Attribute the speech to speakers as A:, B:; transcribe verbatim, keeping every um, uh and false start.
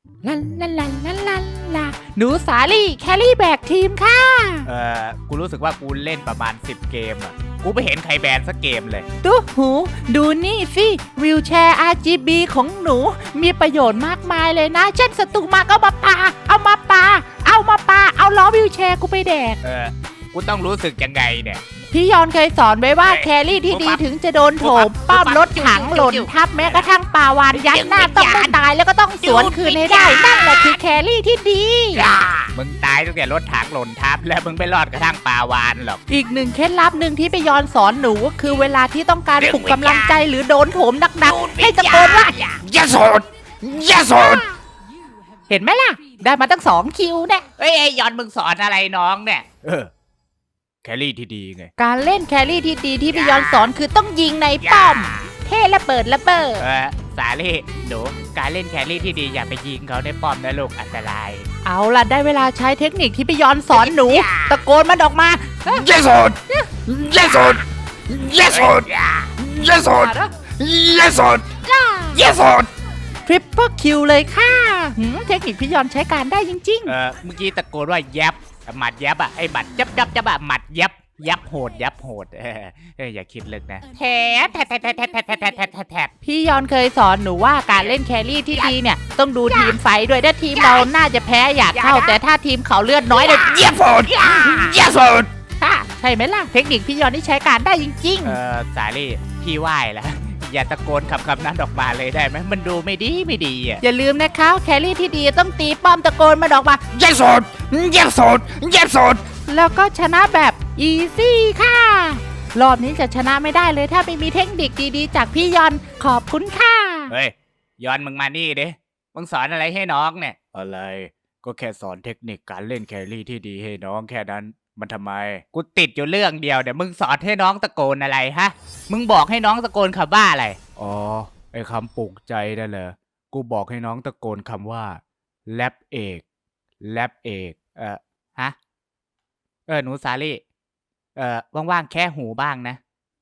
A: ลันลันลันลันลันลาหนูสาลี่แครี่แบกทีมค่ะ
B: เออกูรู้สึกว่ากูเล่นประมาณสิบเกมอ่ะกูไม่เห็นใครแบนสักเกมเลย
A: ดูหูดูนี่สิวิวแชร์ อาร์ จี บี ของหนูมีประโยชน์มากมายเลยนะเช่นศัตรูมาก็มาปาเอามาปาเอามาปาเอาล้อวิวแชร์กูไปแดก
B: เออกูต้องรู้สึกยังไงเนี่ย
A: พี่ยอนเคยสอนไว้ว่าแครี่ที่ดีถึงจะโดนโถมป้อมรถถังหล่นทับแม้กระทั่งปาวานยัดหน้าต้องไม่ตายแล้วก็ต้องสวนคืนให้ได้นั่นแหละคือแครี่ที่ดี
B: มึงตายตั้งแต่รถถังหล่นทับแล้วมึงไม่รอดกระทั่งปาวานหรอก
A: อีกหนึ่งเคล็ดลับหนึ่งที่พี่ยอนสอนหนูก็คือเวลาที่ต้องการปลุกกำลังใจหรือโดนโถมหนักๆให้ตะโกนว่า
B: อย่าสนอย่าสน
A: เห็นไหมล่ะได้มาตั้งสองคิวเนี่ย
B: เฮ้ยยอนมึงสอนอะไรน้องเนี่ยเออแครี่ที่ดีไง
A: การเล่นแครี่ที่ดีที่พี่ยอนสอนคือต้องยิงในป้อมเท่ระเบิดระเบิด
B: เออสาลี่หนูการเล่นแครี่ที่ดีอย่าไปยิงเขาในป้อมนะลูกอันตราย
A: เอาล่ะได้เวลาใช้เทคนิคที่พี่ยอนสอนหนูตะโกนมันออกมา
B: อย่าสนอย่าสนอย่าสนอย่าสนอย่าสนอย่าสน
A: ทริปเปิลคิวเลยค่ะเทคนิคพี่ยอนใช้การได้จริง
B: ๆเออเมื่อกี้ตะโกนว่ายับหมัดยับอ่ะไอ้หมัดยับยับยับอ่ะหมัดยับยับโหดยับโหดเอออย่าคิดลึกนะแทบแทบแทบแทบแทบแทบแทบแทบแทบ
A: พี่ยอนเคยสอนหนูว่าการเล่นแครี่ที่ดีเนี่ยต้องดูทีมไฟด้วยถ้าทีมเราน่าจะแพ้อยากเข้าแต่ถ้าทีมเขาเลือดน้อยเนี่ย
B: เยี่ยมโหดเยี่ยมโหด
A: ใช่ไหมล่ะเทคนิคพี่ยอนที่ใช้การได้จริง
B: ๆเออสาลี่พี่ไหว้แล้วอย่าตะโกนคำคำนั้นออกมาเลยได้ไหมมันดูไม่ดีไม่ดีอ่ะ
A: อย่าลืมนะคะแครี่ที่ดีต้องตีป้อมตะโกนมาออกมา
B: เยี่ยมโหดเยี่ยมโหดเยี่ยมโหด
A: แล้วก็ชนะแบบอีซี่ค่ะรอบนี้จะชนะไม่ได้เลยถ้าไม่มีเทคนิคดีๆจากพี่ยอนขอบคุณค่ะ
B: เฮ้ยยอนมึงมานี่ดิมึงสอนอะไรให้น้องเนี่ยอะไรก็แค่สอนเทคนิคการเล่นแครี่ที่ดีให้น้องแค่นั้นมันทำไมกูติดอยู่เรื่องเดียวเดี๋ยวมึงสอนให้น้องตะโกนอะไรฮะมึงบอกให้น้องตะโกนคำว่าอะไรอ๋อไอ้คำปลุกใจนั่นเหรอกูบอกให้น้องตะโกนคำว่าแรปเอกแรปเอกเออฮะเออหนูสาลี่เออว่างๆแค่หูบ้างนะ